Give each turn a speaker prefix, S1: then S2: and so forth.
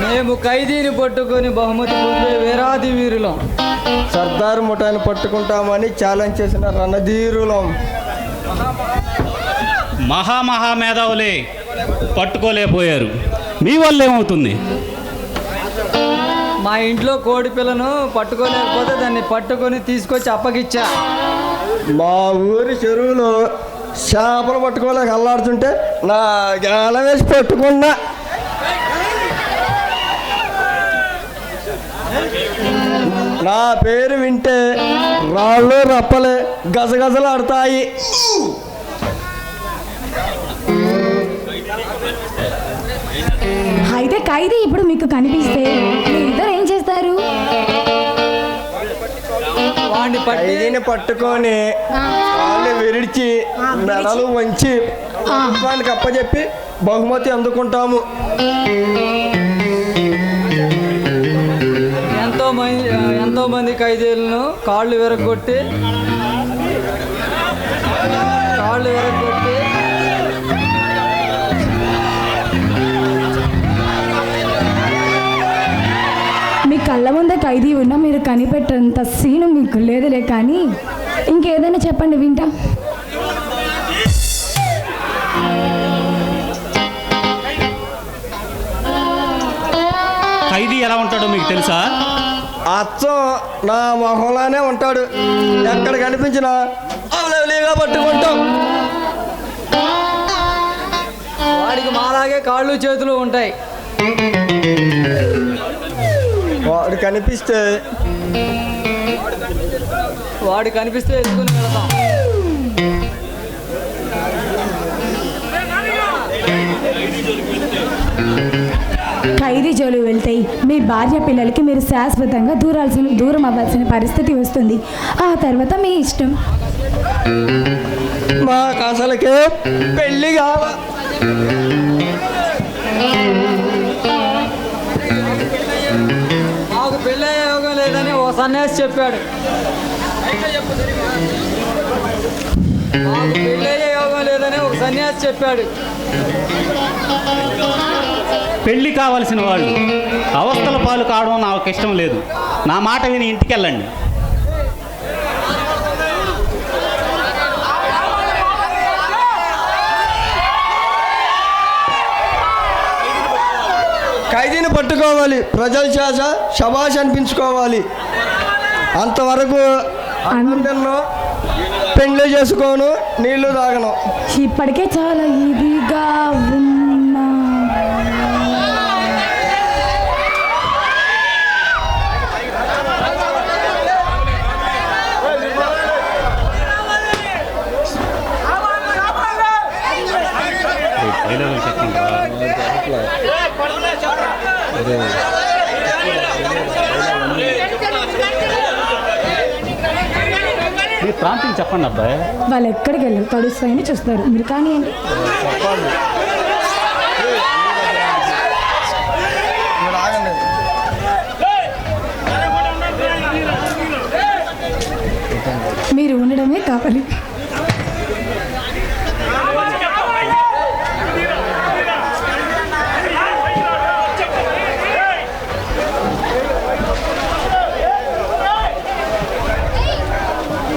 S1: మేము ఖైదీని పట్టుకొని బహుమతి పొందే వీరాది వీరులం.
S2: సర్దార్ ముఠాన్ని పట్టుకుంటామని ఛాలెంజ్ చేసిన రణధీరులం.
S3: మహామహామేధావులే పట్టుకోలేకపోయారు. మీ వల్ల ఏమవుతుంది?
S1: మా ఇంట్లో కోడి పిల్లను పట్టుకోలేకపోతే దాన్ని పట్టుకొని తీసుకొచ్చి అప్పగిచ్చా.
S2: మా ఊరి చెరువులో చేపలు పట్టుకోలేక అల్లాడుతుంటే నా గాల వేసి పట్టుకున్నా. నా పేరు వింటే రాళ్ళు రప్పలే గజగజలాడతాయి.
S4: అయితే ఖైదీ ఇప్పుడు మీకు కనిపిస్తే ఇద్దరు ఏం చేస్తారు?
S2: ఖైదీని పట్టుకొని వాళ్ళు విరిచి మెడలు వంచి ప్రభుత్వానికి అప్పచెప్పి బహుమతి అందుకుంటాము.
S1: ఎంతో మంది ఖైదీలను కాళ్ళు విరగొట్టి
S4: మీ కళ్ళ ముందే ఖైదీ ఉన్నా మీరు కనిపెట్టేంత సీను మీకు లేదులే, కానీ ఇంకేదైనా చెప్పండి వింటా.
S3: ఖైదీ ఎలా ఉంటాడో మీకు తెలుసా?
S2: అచ్చం నా మొహంలానే ఉంటాడు. ఎక్కడ కనిపించినా అవలేగా పట్టుకుంటాం.
S1: వాడికి మాలాగే కాళ్ళు చేతులు ఉంటాయి.
S2: వాడు కనిపిస్తే ఎత్తుకుని వెళతాం.
S4: ఖైదీ జోలు వెళ్తే మీ భార్య పిల్లలకి మీరు శాశ్వతంగా దూరం అవ్వాల్సిన పరిస్థితి వస్తుంది. ఆ తర్వాత మీ ఇష్టం.
S2: మాకు అసలుకే పెళ్ళి కావాలి.
S1: మాకు పెళ్ళయ్యే యోగం లేదని ఓ సన్యాసి చెప్పాడు. మాకు పెళ్ళయ్యే యోగం లేదని ఒక సన్యాసి చెప్పాడు.
S3: పెళ్ళి కావలసిన వాళ్ళు అవస్థల పాలు కావడం నాకు ఇష్టం లేదు. నా మాట విని ఇంటికి వెళ్ళండి.
S2: ఖైదీని పట్టుకోవాలి, ప్రజల చేత శబాష్ అనిపించుకోవాలి. అంతవరకు అన్నం పెండ్లి చేసుకోను, నీళ్లు తాగను.
S4: ఇప్పటికే చాలా ఇదిగా ఉన్నా.
S3: మీ ప్రాంతం చెప్పండి అబ్బాయి.
S4: వాళ్ళు ఎక్కడికి వెళ్ళారు, తడుస్తాయని చూస్తారు. మీరు కానివ్వండి. మీరు ఉండడమే కావాలి.